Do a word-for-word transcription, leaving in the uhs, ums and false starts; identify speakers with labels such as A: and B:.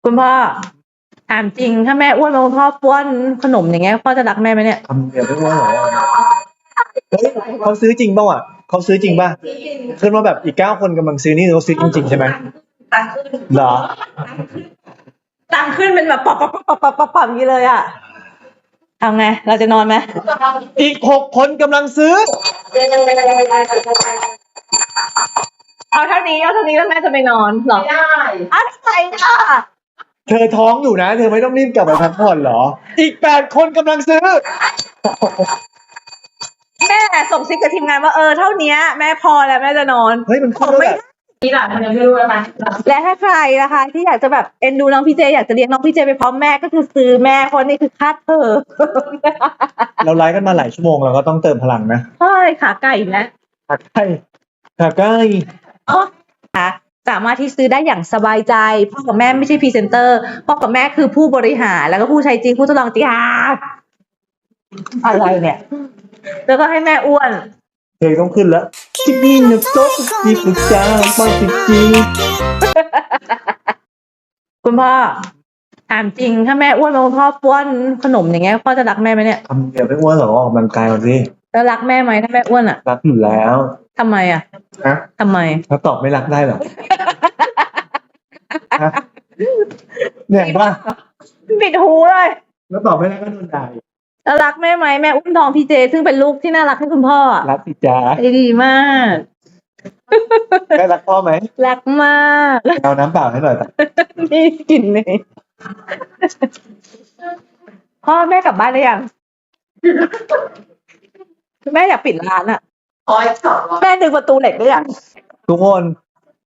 A: คุณพ่อถามจริงถ้าแม่อ้วนมาคุณพ่อป้อนขนมอย่างเงี้ยพ่อจะรักแม่ไหมเนี่ย
B: ทำเดี๋ยวไม่ว่าเหรอเฮ้ยเขาซื้อจริงเปล่าอ่ะเขาซื้อจริงป่ะขึ้นว่าแบบอีกเก้าคนกำลังซื้อนี่เขาซื้อจริงๆใช่ไหม
A: ตังขึ้น
B: เหรอ
A: ตังขึ้นเป็นแบบปับปับปับปับปับปับอย่างนี้เลยอ่ะทำไงเราจะนอนไหม
B: อีกหกคนกำลังซื้อ
A: เอาเท่านี้เอาเท่านี้แล้วแม่จะไปนอนเหรอ
C: ไม่ได้
A: อะไรอ่ะ
B: เธอท้องอยู่นะ เธอไม่ต้องรีบกลับไปพักผ่อนเหรอ อีกแปดคนกำลังซื้อ
A: แม่ส่งซิกกับทีมงานว่าเออเท่านี้แม่พอแล้วแม่จะนอน
B: เฮ้ยมันขึ้นแล้วแบบ
C: นี่แหละมันยังไม่รู้อะไร
A: และถ้าใครนะคะที่อยากจะแบบเอ็นดูน้องพี่เจอยากจะเลี้ยงน้องพี่เจไปพร้อมแม่ก็คือซื้อแม่คนนี้คือค่าเธอ
B: เราไลฟ์กันมาหลายชั่วโมงเราก็ต้องเติมพลังนะ
A: ใช่ขาไก่อีกแล้ว
B: ขาไก่ขาไก่
A: ค่ะสามารถที่ซื้อได้อย่างสบายใจพ่อกับแม่ไม่ใช่พรีเซนเตอร์พ่อกับแม่คือผู้บริหารแล้วก็ผู้ใช้จริงผู้ทดลองจริงอ่ะอะไรเนี่ย แล้วก็ให้แม่อ้วน
B: เพลงต้องขึ้นแล้วจิบบินโต๊ะจิบปุจ้าปาจิบจี
A: คุณพ่อถามจริงถ้าแม่อ้วนมาคุณพ่อป้อนขนมอย่างเงี้ยพ่อจะรักแม่ไหมเนี่ย
B: ทำเดี๋ยวไม่ว่าเหรอออกกำลังกายมาสิ
A: แล้วรักแม่ไหมถ้าแม่อ้วนอ่ะ
B: รักอยู่แล้ว
A: ทำไมอ่ะ
B: ฮะ
A: ทำไม
B: ถ้าตอบไม่รักได้เหรอฮะเนี่ยว่า
A: ปิดหูเลย
B: แล้วตอบไม่รักก็โดนด่าอีก
A: แล้วรักแม่ไหมแม่อุ้มทองพี่เจ ซึ่งเป็นลูกที่น่ารักให้คุณพ่ออะ
B: รักสิจ้า
A: ใจดีมาก
B: ได้รักพ่อไหม
A: รักมาก
B: เอาน้ำเปล่าให้หน่อยแต่
A: นี่กลิ่นเลยพ่อแม่กลับบ้านได้ยัง แม่อยากปิดร้านอ่ะ
C: คอยสอบ
A: แม่ดึงประตูเหล็กได้ยัง
B: ทุกคน